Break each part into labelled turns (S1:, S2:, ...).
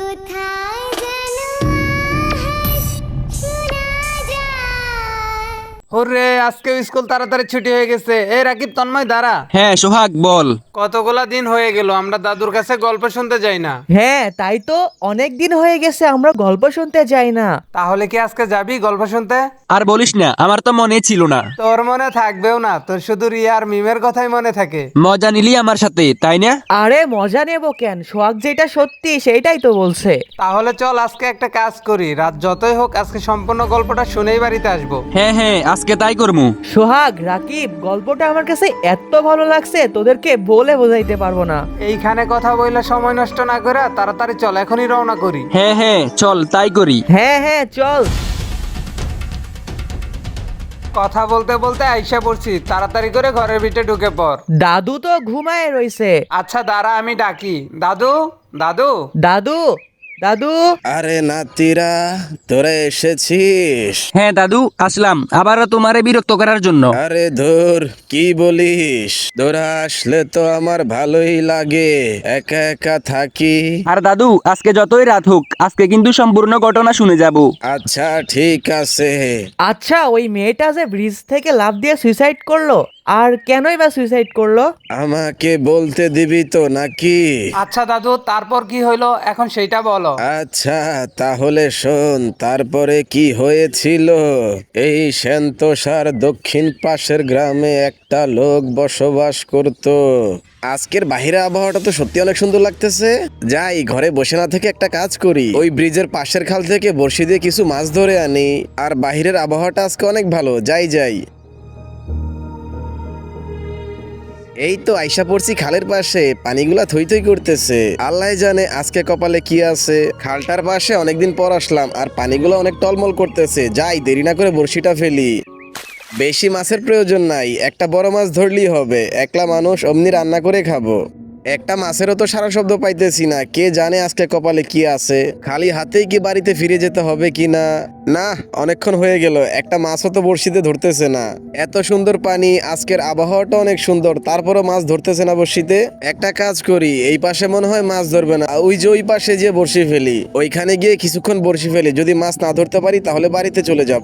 S1: ওরে আজকে স্কুল তাড়াতাড়ি ছুটি হয়ে গেছে। এই রাকিব, তন্ময় দাঁড়া।
S2: হ্যাঁ সোহাগ বল।
S1: কতগুলা দিন হয়ে গেল আমরা দাদুর কাছে গল্প শুনতে যাই না।
S3: হ্যাঁ তাই তো, অনেক দিন হয়ে গেছে আমরা গল্প শুনতে যাই না।
S1: তাহলে কি আজকে যাবি গল্প শুনতে?
S2: আর বলিস না, আমার তো মনে ছিল না।
S1: তোর মনে থাকবেও না, তোর শুধু রিয়া আর মিমের কথাই মনে থাকে।
S2: মজা নিলি আমার সাথে, তাই না?
S3: আরে মজা নেব কেন, সোহাগ যেটা সত্যি সেইটাই তো বলছে।
S1: তাহলে চল আজকে একটা কাজ করি, রাত যতই হোক আজকে সম্পূর্ণ গল্পটা শুনেই বাড়িতে আসবো।
S2: হ্যাঁ হ্যাঁ, আজকে তাই করমু।
S3: সোহাগ, রাকিব, গল্পটা আমার কাছে এত ভালো লাগছে তোদেরকে বলে বোঝাইতে পারবো না।
S1: এইখানে কথা বইলে সময় নষ্ট না করে তাড়াতাড়ি চল, এখনই রওনা করি।
S2: হ্যাঁ হ্যাঁ চল তাই করি।
S3: হ্যাঁ হ্যাঁ চল।
S1: কথা বলতে বলতে আইসা পড়ছি, তাড়াতাড়ি করে ঘরের ভিতরে ঢুকে পড়।
S3: দাদু তো ঘুমায় রইছে।
S1: আচ্ছা দাঁড়া, আমি ডাকি। দাদু, দাদু।
S3: দাদু, দাদু।
S4: আরে নাতিরা, তোরা এসেছিস?
S2: হ্যাঁ দাদু আসলাম, আবারও তোমারে বিরক্ত করার জন্য।
S4: আরে ধুর, কি বলিস? তোরা আসলে তো আমার ভালোই লাগে, একা একা থাকি।
S2: আর দাদু আজকে যতই রাত হোক, আজকে কিন্তু সম্পূর্ণ ঘটনা শুনে যাব।
S4: আচ্ছা ঠিক আছে।
S3: আচ্ছা, ওই মেয়েটা যে ব্রিজ থেকে লাফ দিয়ে সুইসাইড করলো, আর কেনই বা সুইসাইড করলো?
S4: আমাকে বলতে দিবি তো নাকি?
S1: আচ্ছা দাদু, তারপর কি হইলো এখন সেইটা বলো।
S4: আচ্ছা তাহলে শোন, তারপরে কি হয়েছিল। এই সেন্তোষার দক্ষিণ পাশের গ্রামে একটা লোক বসবাস করত। আজকের বাহিরে আবহাওয়াটা তো সত্যি অনেক সুন্দর লাগতেছে। যাই, ঘরে বসে না থেকে একটা কাজ করি, ওই ব্রিজের পাশের খাল থেকে বড়শি দিয়ে কিছু মাছ ধরে আনি। আর বাহিরের আবহাওয়াটা আজকে অনেক ভালো, যাই যাই। এই তো আইসা পড়ছি খালের পাশে, পানিগুলা থই থই করতেছে। আল্লাহ জানে আজকে কপালে কি আছে। খালটার পাশে অনেকদিন পর আসলাম, আর পানিগুলো অনেক টলমল করতেছে। যাই, দেরি না করে বড়শিটা ফেলি। বেশি মাছের প্রয়োজন নাই, একটা বড় মাছ ধরলেই হবে। একলা মানুষ, অমনি রান্না করে খাবো। একটা মাছেরও তো সারা শব্দ পাইতেছি না, কে জানে আজকে কপালে কি আছে। খালি হাতেই কি বাড়িতে ফিরে যেতে হবে কি না। না, অনেকক্ষণ হয়ে গেল, একটা মাছও তো বড়শিতে ধরতেছে না। এত সুন্দর পানি, আজকের আবহাওয়াটা অনেক সুন্দর, তারপরও মাছ ধরতেছে না বড়শিতে। একটা কাজ করি, এই পাশে মনে হয় মাছ ধরবে না, ওই যে ওই পাশে যে বড়শি ফেলি, ওইখানে গিয়ে কিছুক্ষণ বড়শি ফেলি। যদি মাছ না ধরতে পারি তাহলে বাড়িতে চলে যাব।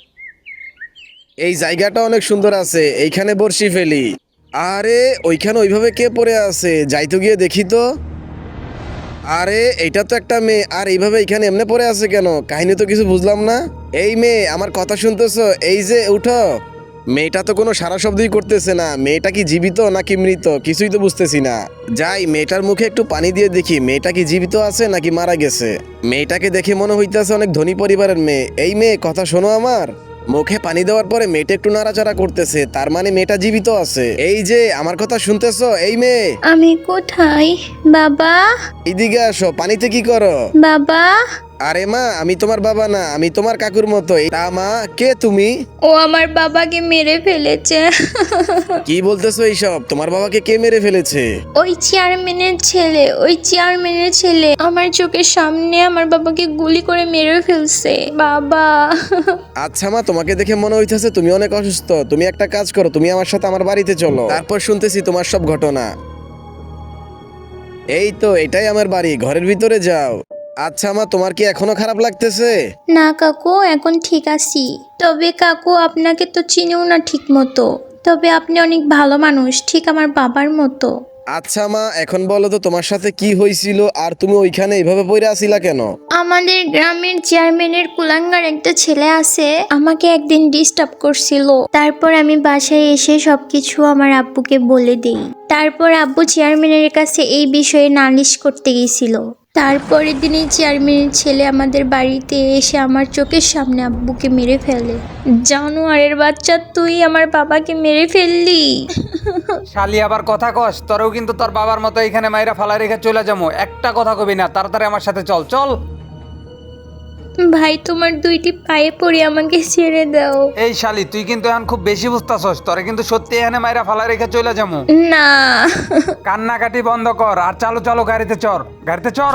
S4: এই জায়গাটা অনেক সুন্দর আছে, এইখানে বড়শি ফেলি। আরে ওইখানে ওইভাবে কে পড়ে আছে, যাই তো গিয়ে দেখি তো। আরে এটা তো একটা মেয়ে, আর এইভাবে এখানে এমনি পড়ে আছে কেন? কাহিনী তো কিছু বুঝলাম না। এই মেয়ে, আমার কথা শুনতেছো? এই যে উঠো। মেয়েটা তো কোনো সারা শব্দই করতেছে না। মেয়েটা কি জীবিত নাকি মৃত কিছুই তো বুঝতেছি না। যাই, মেয়েটার মুখে একটু পানি দিয়ে দেখি, মেয়েটা কি জীবিত আছে নাকি মারা গেছে। মেয়েটাকে দেখে মনে হইতেছে অনেক ধনী পরিবারের মেয়ে। এই মেয়ে, কথা শোনো আমার। মুখে পানি দেওয়ার পরে মেয়েটা একটু নাড়াচাড়া করতেছে, তার মানে মেয়েটা জীবিত আছে। এই যে আমার কথা শুনতেছো? এই মেয়ে,
S5: আমি কোথায় বাবা?
S4: এইদিকে আসো। পানিতে কি করো?
S5: বাবা,
S4: আরে মা, আমি তোমার বাবা না, আমি তোমার কাকুর মতো। তা মা, কে তুমি?
S5: ও আমার বাবাকে মেরে ফেলেছে।
S4: কি বলতেছো এইসব? তোমার বাবাকে কে মেরে ফেলেছে?
S5: ওই চেয়ারম্যানের ছেলে আমার চোখের সামনে আমার বাবাকে গুলি করে মেরে ফেলছে বাবা।
S4: আচ্ছা মা, তোমাকে দেখে মনে হইতেছে তুমি অনেক অসুস্থ। তুমি একটা কাজ করো, তুমি আমার সাথে আমার বাড়িতে চলো, তারপর শুনতেছি তোমার সব ঘটনা। এই তো এটাই আমার বাড়ি, ঘরের ভিতরে যাও। আচ্ছা মা, তোমার কি এখনো খারাপ লাগতেছে?
S5: না কাকু, এখন ঠিক আছি। তবে কাকু, আপনাকে তো চিনিও না ঠিক মতো। তবে আপনি অনেক ভালো মানুষ, ঠিক আমার বাবার মতো।
S4: আচ্ছা মা, এখন বলো তো তোমার সাথে কি হয়েছিল, আর তুমি ওইখানে এইভাবে পড়ে আছিলা কেন?
S5: আমাদের গ্রামের চেয়ারম্যানের কুলাঙ্গার একটা ছেলে আছে, আমাকে একদিন ডিস্টার্ব করছিল। তারপর আমি বাসায় এসে সবকিছু আমার আব্বুকে বলে দেই। তারপর আব্বু চেয়ারম্যানের কাছে এই বিষয়ে নালিশ করতে গেছিল। তারপরের দিনই চেয়ারম্যানের ছেলে আমাদের বাড়িতে এসে আমার চোখের সামনে আব্বুকে মেরে ফেলে। জানোয়ারের বাচ্চা, তুই আমার বাবাকে মেরে ফেললি।
S1: শালি আবার কথা কস? তোরও কিন্তু তোর বাবার মতো এখানে মাইরা ফালা রেখে চলে যাবো। একটা কথা কবি না, তাড়াতাড়ি আমার সাথে চল চল।
S5: ভাই, তোমার দুইটি পায়ে পড়ে আমাকে ছেড়ে দাও।
S1: এই শালি, তুই কিন্তু এখন খুব বেশি বুঝতাছস, তোরে কিন্তু সত্যি এখানে মাইরা ফালা রেখে চলে যাবো।
S5: না
S1: কান্নাকাটি বন্ধ কর আর চালু চালু গাড়িতে চড়, গাড়িতে চড়।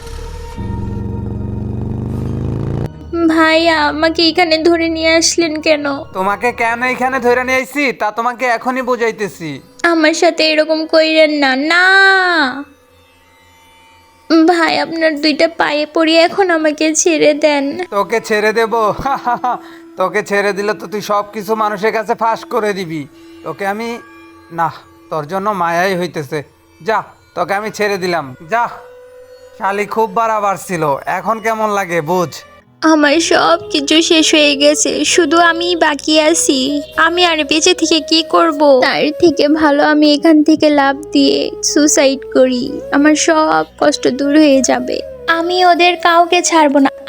S5: ভাই, আমাকে এখানে ধরে নিয়ে আসলেন কেন?
S1: তোমাকে কেন এখানে ধরে নিয়ে আইছি তা তোমাকে এখনই বুঝাইতেছি।
S5: আমার সাথে এরকম কইরেন না। না ভাই আপনার দুইটা পায়ে পড়ি, এখন আমাকে ছেড়ে দেন।
S1: তোকে ছেড়ে দেব? তোকে ছেড়ে দিলে তো তুই সব কিছু মানুষের কাছে ফাঁস করে দিবি। তোকে আমি না, তোর জন্য মায়াই হইতেছে। যা, তোকে আমি ছেড়ে দিলাম, যা। শালি খুব বাড়াবার ছিল, এখন কেমন লাগে বুঝ।
S5: আমার সব কিছু শেষ হয়ে গেছে, শুধু আমি বাকি আছি। আমি আর বেঁচে থেকে কি করব? তার থেকে ভালো আমি এখান থেকে লাফ দিয়ে সুসাইড করি, আমার সব কষ্ট দূর হয়ে যাবে। আমি ওদের কাউকে ছাড়বো না।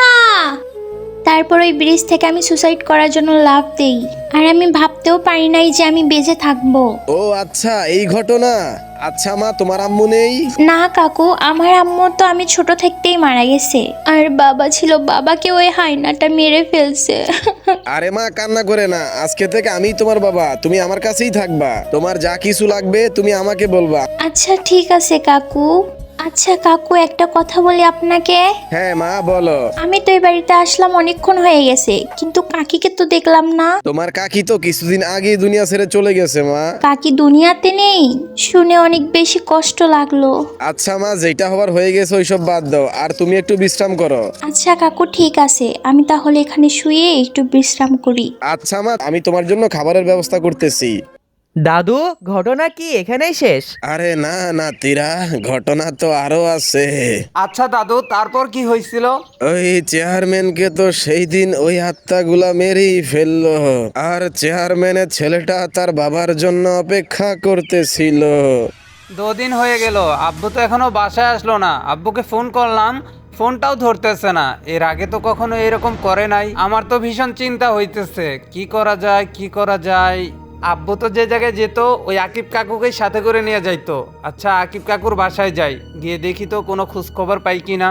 S5: তারপর ওই ব্রিজ থেকে আমি সুসাইড করার জন্য লাফ দেই, আর আমি ভাবতেও পারি নাই যে আমি বেঁচে থাকবো।
S4: ও আচ্ছা, এই ঘটনা। আচ্ছা মা, তোমার আম্মু নেই?
S5: না কাকু, আমার আম্মু তো আমি ছোট থাকতেই মারা গেছে। আর বাবা ছিল, বাবাকে ওই হায়নাটা মেরে ফেলছে।
S4: আরে মা, কান্না করে না। আজকে থেকে আমি তোমার বাবা, তুমি আমার কাছেই থাকবা। তোমার যা কিছু লাগবে তুমি আমাকে বলবা।
S5: আচ্ছা ঠিক আছে কাকু। আচ্ছা কাকু, একটা কথা বলি আপনাকে।
S4: হ্যাঁ মা, বলো।
S5: আমি তো এই বাড়িতে আসলাম অনেকক্ষণ হয়ে গেছে, কিন্তু কাকিকে তো দেখলাম না।
S4: তোমার কাকি তো কিছুদিন আগেই দুনিয়া ছেড়ে চলে গেছে মা।
S5: কাকি দুনিয়াতে নেই শুনে অনেক বেশি কষ্ট লাগলো।
S4: আচ্ছা মা, যেটা হবার হয়ে গেছে ওইসব বাদ দাও, আর তুমি একটু বিশ্রাম করো।
S5: আচ্ছা কাকু ঠিক আছে, আমি তাহলে এখানে শুয়ে একটু বিশ্রাম করি।
S4: আচ্ছা মা, আমি তোমার জন্য খাবারের ব্যবস্থা করতেছি।
S3: দাদু, ঘটনা কি এখানেই শেষ?
S4: আরে না না তীরা, ঘটনা তো আরো আছে।
S1: আচ্ছা দাদু, তারপর কি হয়েছিল?
S4: ওই চেয়ারম্যানকে তো সেই দিন ওই আত্মাগুলা মেরেই ফেললো, আর চেয়ারম্যানের ছেলেটা তার বাবার জন্য অপেক্ষা করতেছিল।
S1: 2 দিন হয়ে গেল, আব্বু তো এখনো বাসায় আসলো না। আব্বুকে ফোন করলাম, ফোনটাও ধরতেছে না। এর আগে তো কখনো এরকম করে নাই। আমার তো ভীষণ চিন্তা হইতেছে, কি করা যায় কি করা যায়। আব্বু তো যে জায়গায় যেত ওই আকিব কাকুকে সাথে করে নিয়ে যাইতো। আচ্ছা, আকিব কাকুর বাসায় যাই, গিয়ে দেখি তো কোনো খোঁজ খবর পাই কিনা।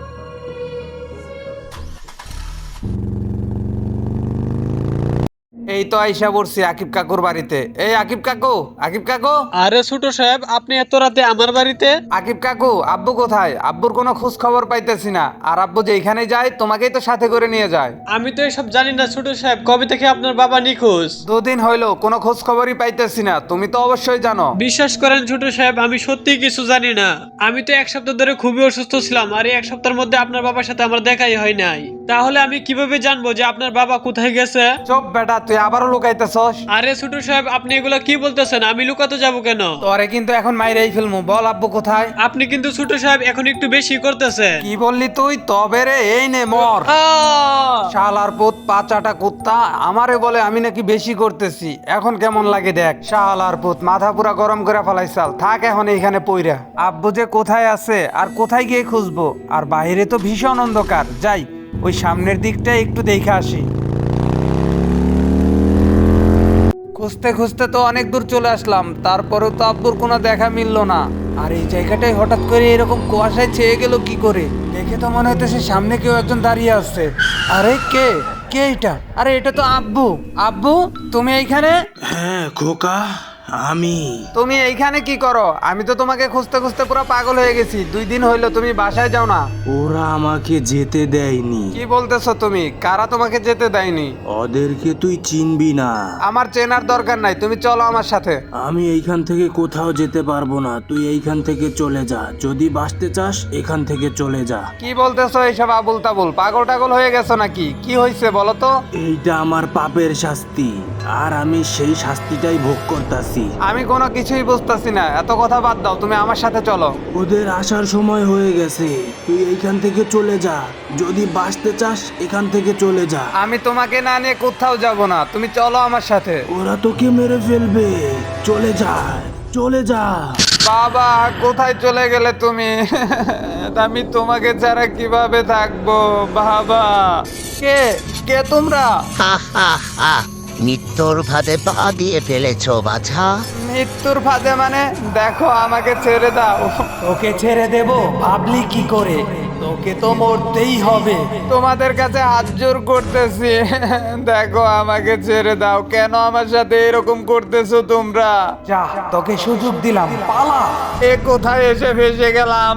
S1: এই তো আইসা পড়ছি আকিব কাকুর বাড়িতে। এই আকিব কাকু, আকিব কাকু।
S6: আরে ছোট সাহেব, আপনি এত রাতে আমার বাড়িতে?
S1: আকিব কাকু, আব্বু কোথায়? আব্বুর কোনো খোঁজ খবর পাইতেছি না। আর আব্বু যেখানে যায় তোমাকেই তো সাথে করে নিয়ে যায়।
S6: আমি তো এসব জানি না ছোট সাহেব, কবে থেকে আপনার বাবা নিখোঁজ?
S1: 2 দিন হইলো, কোনো খোঁজ খবরই পাইতেছি না। তুমি তো অবশ্যই জানো।
S6: বিশ্বাস করেন ছোট সাহেব, আমি সত্যিই কিছু জানি না। আমি তো 1 সপ্তাহ ধরে খুবই অসুস্থ ছিলাম, আর এই 1 সপ্তাহের মধ্যে আপনার বাবার সাথে আমার দেখাই হয় নাই। তাহলে আমি কিভাবে জানবো যে আপনার বাবা কোথায় গেছে?
S1: চুপ বেটা, তুই আবারও লুকাইতেছস।
S6: আরে ছোট সাহেব, আপনি এগুলো কি বলতেছেন? আমি লুকাতে যাবো কেন?
S1: তোরে কিন্তু এখন মাইরেই ফেলমু। বল আব্বু কোথায়?
S6: আপনি কিন্তু ছোট সাহেব এখন একটু বেশি করতেছেন।
S1: কি বললি তুই? তবে রে, এই নে মর। শালার পুত, পাচাটা কুত্তা আমারে বলে আমি নাকি বেশি করতেছি। এখন কেমন লাগে দেখ। শালার পুত, মাথা পুরা গরম করে ফেলাইছাল। থাক এখন এইখানে পইরা। আব্বু যে কোথায় আছে আর কোথায় গিয়ে খুঁজবো? আর বাইরে তো ভীষণ অন্ধকার। যাই, ওই সামনের দিকটা একটু দেখে আসি। খুঁজতে খুঁজতে তো অনেক দূর চলে আসলাম, তারপরেও তো আব্বুর কোনো দেখা মিললো না। আর এই জায়গাটায় হঠাৎ করে এরকম কুয়াশায় ছেয়ে গেল কি করে? দেখে তো মনে হইতেছে সামনে কেউ একজন দাঁড়িয়ে আছে। আরে কে কে এটা? আরে এটা তো আব্বু। আব্বু, তুমি এইখানে?
S7: হ্যাঁ খোকা, আমি।
S1: তুমি এইখানে কি করো? আমি তো তোমাকে খুঁজতে খুঁজতে পুরো পাগল হয়ে গেছি। 2 দিন হইলো তুমি বাসায় যাও না।
S7: ওরা আমাকে যেতে দেয়নি।
S1: কি বলতেছো তুমি? কারা তোমাকে যেতে দেয়নি?
S7: ওদেরকে তুই চিনবি না।
S1: আমার চেনার দরকার নাই, তুমি চলো আমার সাথে।
S7: আমি এইখান থেকে কোথাও যেতে পারবো না, তুই এইখান থেকে চলে যা। যদি বাঁচতে চাস এখান থেকে চলে যা।
S1: কি বলতেছো এইসব আবুল তাবুল? পাগল টাগল হয়ে গেছো নাকি? কি হয়েছে বলো তো?
S7: এইটা আমার পাপের শাস্তি, আর আমি সেই শাস্তিটাই ভোগ করতেছি।
S1: আমি কোনো কিছুই বুঝতেছি না। এত কথা বাদ দাও, তুমি আমার সাথে চলো।
S7: ওদের আসার সময় হয়ে গেছে, তুই এইখান থেকে চলে যা। যদি বাঁচতে চাস এখান থেকে চলে যা।
S1: আমি তোমাকে না নিয়ে কোথাও যাব না, তুমি চলো আমার সাথে।
S7: ওরা তোকে মেরে ফেলবে, চলে যা চলে যা।
S1: বাবা, কোথায় চলে গেলে তুমি? আমি তোমাকে ছাড়া কিভাবে থাকবো বাবা? কে কে তোমরা?
S8: মৃত্যুর ফাঁদে পা দিয়ে ফেলেছ বাছা।
S1: মৃত্যুর ফাঁদে মানে? দেখো, আমাকে ছেড়ে দাও। তোকে ছেড়ে দেব ভাবলি কি করে? তোকে তো মরতেই হবে। তোমাদের কাছে হাত জোর করতেছি, দেখো আমাকে ছেড়ে দাও। কেন আমার সাথে এরকম করতেছো তোমরা? যা, তোকে সুযোগ দিলাম, পালা। এ কোথায় এসে ফেসে গেলাম?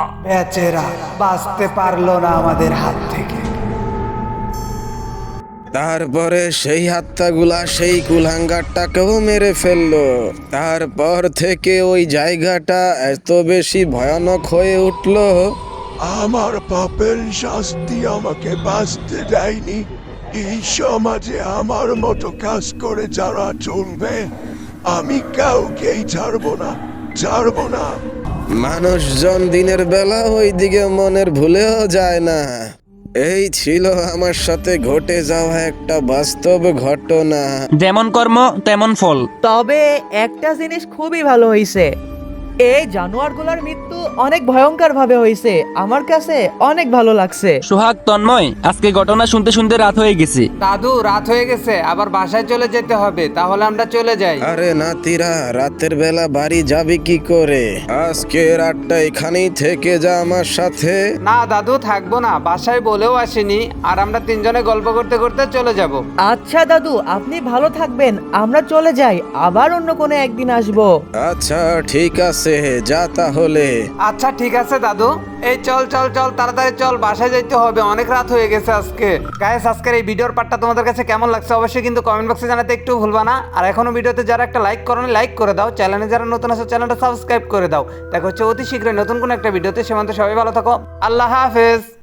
S1: বেচারা বাঁচতে পারলো না আমাদের হাত থেকে।
S4: তারপরে সেই আত্মাগুলা সেই কুলাঙ্গারটাকেও মেরে ফেললো। তারপর থেকে ওই জায়গাটা এত বেশি ভয়ানক হয়ে উঠলো।
S9: আমার পাপের শাস্তি আমাকে বাঁচতে দেয়নি। এই সমাজে আমার মতো কাজ করে যারা চলবে, আমি কাউকেই ছাড়বো না।
S4: মানুষজন দিনের বেলা ওই দিকে মনের ভুলেও যায় না। এই ছিল আমার সাথে ঘটে যাওয়া একটা বাস্তব ঘটনা।
S2: যেমন কর্ম তেমন ফল।
S3: তবে একটা জিনিস খুবই ভালো হয়েছে, এই জানোয়ারগুলোর মৃত্যু অনেক ভয়ঙ্কর ভাবে হয়েছে। আমার কাছে অনেক ভালো লাগছে।
S2: সোহাগ, তন্ময়, আজকে ঘটনা শুনতে শুনতে রাত হয়ে গেছে।
S1: দাদু রাত হয়ে গেছে, আবার বাসায় চলে যেতে হবে, তাহলে আমরা চলে যাই।
S4: আরে নাতিরা, রাতের বেলা বাড়ি যাবি কি করে? আজকে রাতটা এখানেই থেকে যা আমার সাথে।
S1: না দাদু, থাকবো না, বাসায় বলেও আসিনি, আর আমরা তিনজনে গল্প করতে করতে চলে যাব।
S3: আচ্ছা দাদু, আপনি ভালো থাকবেন, আমরা চলে যাই, আবার অন্য কোনো একদিন আসবো।
S4: আচ্ছা ঠিক আছে, যা তাহলে।
S1: আচ্ছা ঠিক আছে দাদু, এই চল চল চল তাড়াতাড়ি চল, বাসায় যাইতে হবে, অনেক রাত হয়ে গেছে আজকে। গাইস, আজকের এই ভিডিওর পার্টটা তোমাদের কাছে কেমন লাগছে অবশ্যই কিন্তু কমেন্ট বক্সে জানাতে একটু ভুলবা না। আর এখনো ভিডিওতে যারা একটা লাইক করোনি, লাইক করে দাও। চ্যানেলে যারা নতুন আছে চ্যানেলটা সাবস্ক্রাইব করে দাও। দেখা হচ্ছে অতি শীঘ্রই নতুন কোনো একটা ভিডিওতে। সে পর্যন্ত সবাই ভালো থাকো, আল্লাহ হাফেজ।